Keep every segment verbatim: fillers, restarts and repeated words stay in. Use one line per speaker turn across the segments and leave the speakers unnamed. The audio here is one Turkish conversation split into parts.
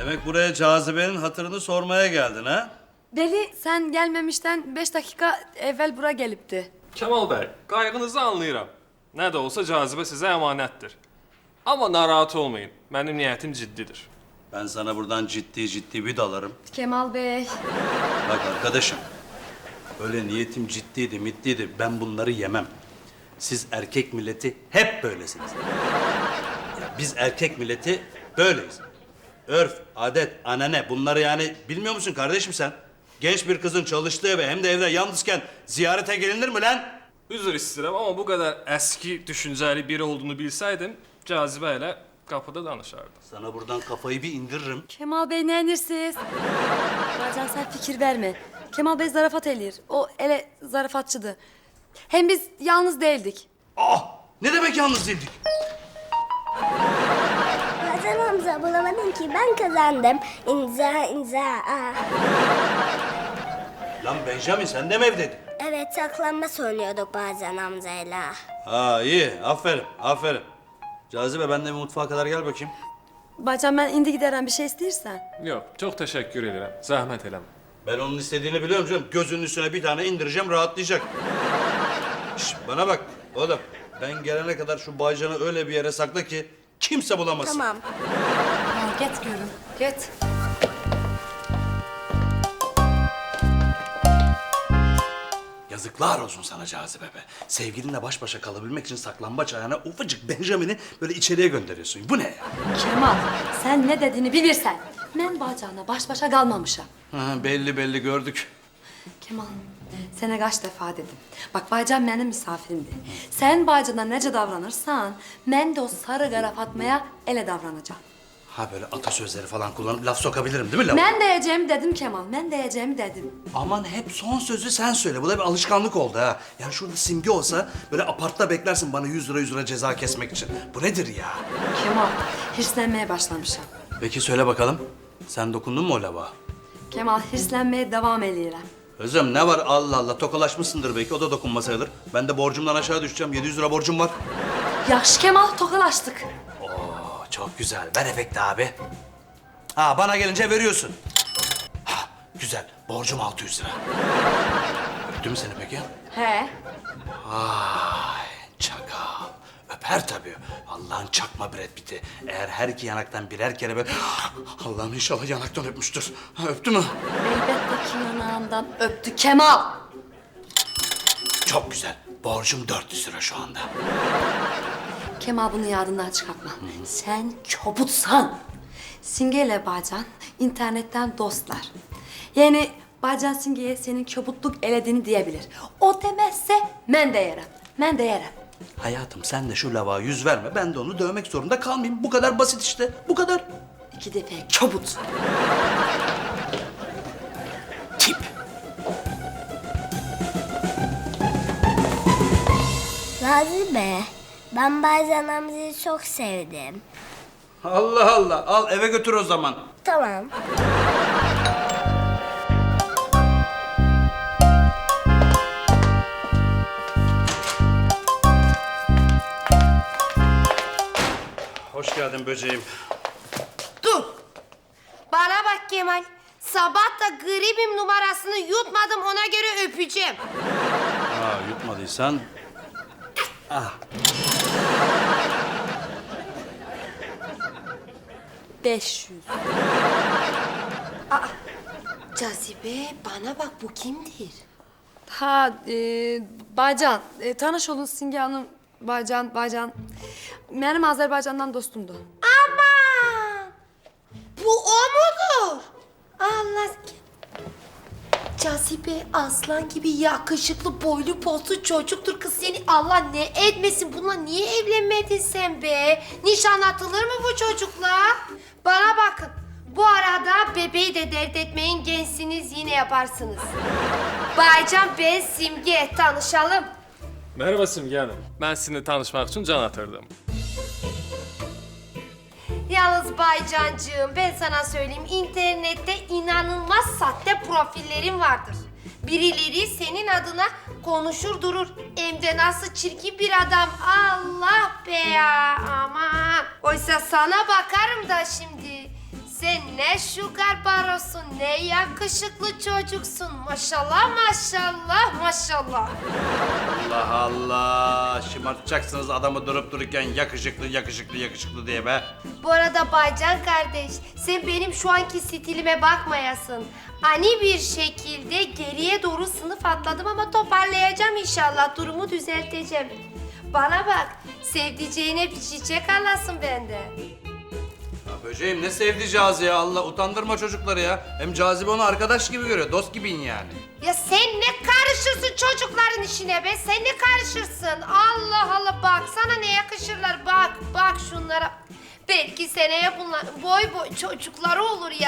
Demek buraya Cazibe'nin hatırını sormaya geldin ha?
Deli sen gelmemişten beş dakika evvel bura gelipti.
Kemal Bey, qaygınızı anlayıram. Nə də olsa Cazibe sizə əmanətdir. Amma narahat olmayın, mənim niyyətim ciddidir.
Ben sana buradan ciddi ciddi bir dalarım.
Kemal Bey.
Bak arkadaşım, öyle niyetim ciddiydi, middiydi. Ben bunları yemem. Siz erkek milleti hep böylesiniz. Ya biz erkek milleti böyleyiz. Örf, adet, anane bunları yani bilmiyor musun kardeşim sen? Genç bir kızın çalıştığı eve hem de evde yalnızken ziyarete gelinir mi lan?
Üzr istəyirəm, amma bu qədər əski düşüncəli biri olduğunu bilsəydim, Cazibe ilə qapıda danışardım.
Sana buradan kafayı bir indiririm.
Kemal Bey ne enirsiniz? Bacan sen fikir verme. Kemal Bey zarafat eləyir. O ele zarafatçıdır. Hem biz yalnız değildik.
Ah! Ne demek yalnız değildik?
Hasan Hamza bulamadın ki ben kazandım. İmza imza. Aa.
Lan Benjamin sen de mi evdeydin?
Evet saklanma söylüyorduk bazen Hamza'yla.
Ha iyi, aferin, aferin. Cazibe ben de bir mutfağa kadar gel bakayım.
Bacan ben indi giderem bir şey istersen.
Yox, çox təşəkkür edirəm. Zəhmət eləmə.
Ben onun istediğini biliyorum canım. Gözünün üstüne bir tane indireceğim, rahatlayacak. Şş, bana bak oğlum. Ben gelene kadar şu Baycan'ı öyle bir yere sakla ki kimse bulamasın.
Tamam.
Tamam git görüm. Git.
Yazıklar olsun sana Cazibe be. Sevgilinle baş başa kalabilmek için saklambaç ayağına ufacık Benjamin'i böyle içeriye gönderiyorsun. Bu ne ya?
Kemal sen ne dediğini bilirsen. Ben Bacan'la baş başa kalmamışım.
Ha, belli belli gördük.
Kemal sana kaç defa dedim. Bak Baycan benim misafirimdi. Sen Baycan'a nece davranırsan ben de o sarı kara Fatma'ya ele davranacağım.
Ha böyle atasözleri falan kullanıp laf sokabilirim değil mi laf?
Ben diyeceğimi dedim Kemal. Ben diyeceğimi dedim.
Aman hep son sözü sen söyle. Bu da bir alışkanlık oldu ha. Yani şurada Simge olsa böyle apartta beklersin bana yüz lira yüz lira ceza kesmek için. Bu nedir ya?
Kemal hirslenmeye başlamışım.
Peki söyle bakalım. Sen dokundun mu o lava?
Kemal hirslenmeye devam ediyorum.
Özlem ne var Allah Allah tokalaşmışsındır belki o da dokunma sayılır. Ben de borcumdan aşağı düşeceğim yedi yüz lira borcum var.
Yaş Kemal tokalaştık.
Oo çok güzel ver efekti abi. Ha bana gelince veriyorsun. Ha güzel borcum altı yüz lira. Öptü mü seni peki?
He.
Ay çakal. Öper tabii. Allah'ın çakma Brad Pitt'i. Eğer her iki yanaktan birer kere böyle... Allah'ım inşallah yanaktan öpmüştür. Ha, öptü mü?
Elbette ki yanağından öptü Kemal.
Çok güzel. Borcum dört yüz lira şu anda.
Kemal bunu yadından çıkartma. Sen çobutsan. Singe ile Bacan internetten dostlar. Yani Bacan Singe'ye senin çobutluk elediğini diyebilir. O demezse ben de yerim. Ben de yerim.
Hayatım sen de şu lava yüz verme. Ben de onu dövmek zorunda kalmayayım. Bu kadar basit işte. Bu kadar.
İki defa çobut.
Tip.
Cazibe ben bazen Hamza'yı çok sevdim.
Allah Allah. Al eve götür o zaman.
Tamam.
Hoş geldin böceğim.
Dur. Bana bak Kemal. Sabah da gribim numarasını yutmadım ona göre öpeceğim.
Ha yutmadıysan... Ah.
Beş yüz.
Cazibe bana bak bu kimdir?
Ha e, Bacan. E, tanış olun Singe Hanım. Bacan, Bacan. Benim Azerbaycan'dan dostumdu.
Aman! Bu o mudur? Allah... Cazibe aslan gibi yakışıklı boylu poslu çocuktur kız seni Allah ne etmesin bununla niye evlenmedin sen be? Nişan atılır mı bu çocukla? Bana bakın bu arada bebeği de dert etmeyin gençsiniz yine yaparsınız. Baycan ben Simge tanışalım.
Merhaba Simge Hanım. Mən sizinlə tanışmaq üçün can atırdım.
Yalnız Baycancığım ben sana söyleyeyim internette inanılmaz sahte profillerin vardır. Birileri senin adına konuşur durur. Hem de nasıl çirkin bir adam. Allah be ya aman. Oysa sana bakarım da şimdi. Sen ne şugar barosun, ne yakışıklı çocuksun. Maşallah, maşallah, maşallah.
Allah Allah. Şımartacaksınız adamı durup dururken yakışıklı yakışıklı yakışıklı diye be.
Bu arada Baycan kardeş, sen benim şu anki stilime bakmayasın. Ani bir şekilde geriye doğru sınıf atladım ama toparlayacağım inşallah. Durumu düzelteceğim. Bana bak, sevdiceğine bir çiçek alasın benden.
Ya böceğim ne sevdi Cazi ya Allah utandırma çocukları ya. Hem Cazibe onu arkadaş gibi görüyor, dost gibiyim yani.
Ya sen ne karışırsın çocukların işine be? Sen ne karışırsın? Allah Allah, baksana ne yakışırlar. Bak, bak şunlara. Belki seneye bunlar boy boy çocukları olur ya.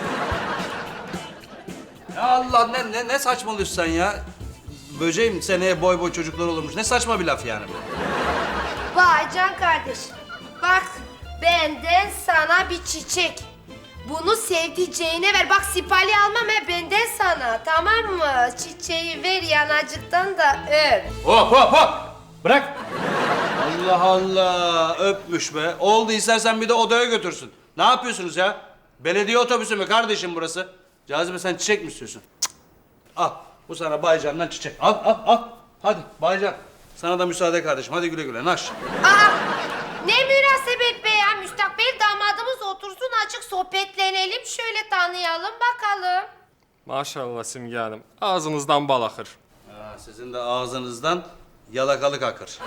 Ya Allah ne ne ne saçmalıyorsun sen ya? Böceğim seneye boy boy çocuklar olurmuş. Ne saçma bir laf yani bu.
Vay Can kardeş. Bak, benden sana bir çiçek. Bunu sevdiceğine ver. Bak sipali almam he, benden sana. Tamam mı? Çiçeği ver yanacıktan da öp.
Hop hop hop! Bırak! Allah Allah! Öpmüş be. Oldu istersen bir de odaya götürsün. Ne yapıyorsunuz ya? Belediye otobüsü mü kardeşim burası? Cazibe sen çiçek mi istiyorsun? Cık. Al. Bu sana Baycan'dan çiçek. Al al al. Hadi Baycan. Sana da müsaade kardeşim. Hadi güle güle. Naş.
Aa, ne münasebet be ya. Müstakbel damadımız otursun, açık sohbetlenelim. Şöyle tanıyalım bakalım.
Maşallah Simge Hanım. Ağzınızdan bal akır.
Ha, sizin de ağzınızdan yalakalık akır.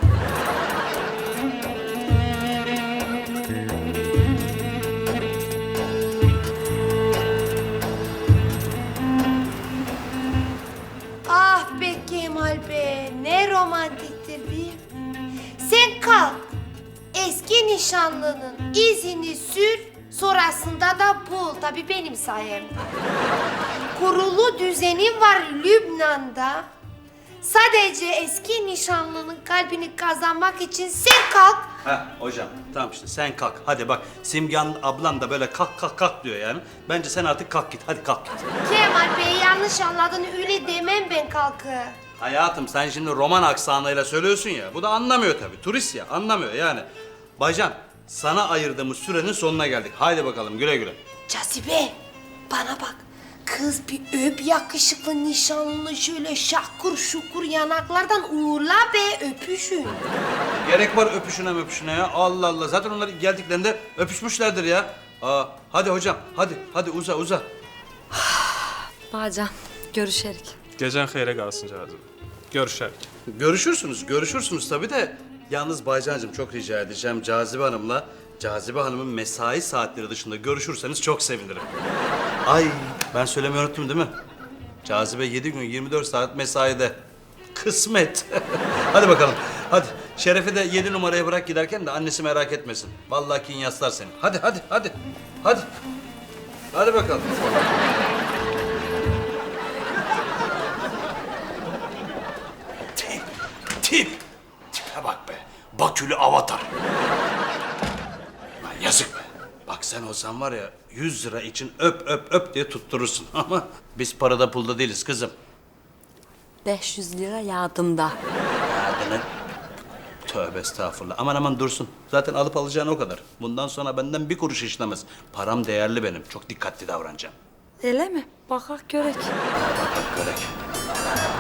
Ah be Kemal be, ne romantiktir değil mi? Sen kalk, eski nişanlının izini sür, sonrasında da bul. Tabii benim sayemde. Kurulu düzenin var Lübnan'da. Sadece eski nişanlının kalbini kazanmak için sen kalk.
Ha hocam tamam işte sen kalk. Hadi bak Simgan ablan da böyle kalk kalk kalk diyor yani. Bence sen artık kalk git. Hadi kalk git.
Kemal Bey yanlış anladın, öyle demem ben kalkı.
Hayatım sen şimdi roman aksanıyla söylüyorsun ya. Bu da anlamıyor tabii. Turist ya anlamıyor yani. Baycan sana ayırdığımız sürenin sonuna geldik. Haydi bakalım güle güle.
Cazibe, bana bak. Kız bir öp yakışıklı nişanlını, şöyle şakur şukur yanaklardan uğurla be, öpüşün.
Gerek var öpüşüne öpüşüne ya. Allah Allah. Zaten onlar geldiklerinde öpüşmüşlerdir ya. Aa, hadi hocam hadi hadi uza uza.
Baycan, görüşerik.
Gecen xeyrə qalsın Cazibe. Görüşərik.
Görüşürsünüz görüşürsünüz tabii de. Yalnız Baycan'cığım çok rica edeceğim Cazibe Hanım'la Cazibe Hanım'ın mesai saatleri dışında görüşürseniz çok sevinirim. Ay ben söylemeyi unuttum değil mi? Cazibe yedi gün yirmi dört saat mesaide. Kısmet. Hadi bakalım. Hadi. Şeref'i de yedi numaraya bırak giderken de annesi merak etmesin. Vallahi kin yaslar seni. Hadi hadi hadi. Hadi. Hadi bakalım.
Tip, tip. Tipe bak be. Bakülü avatar. Lan yazık be.
Bak sen olsan var ya yüz lira için öp öp öp diye tutturursun. Ama biz parada pulda değiliz kızım.
beş yüz lira yardımda.
Ya ne? Tövbe estağfurullah. Aman aman dursun. Zaten alıp alacağın o kadar. Bundan sonra benden bir kuruş işlemez. Param değerli benim. Çok dikkatli davranacağım.
Öyle mi? Bakak görek.
Bak bak görek.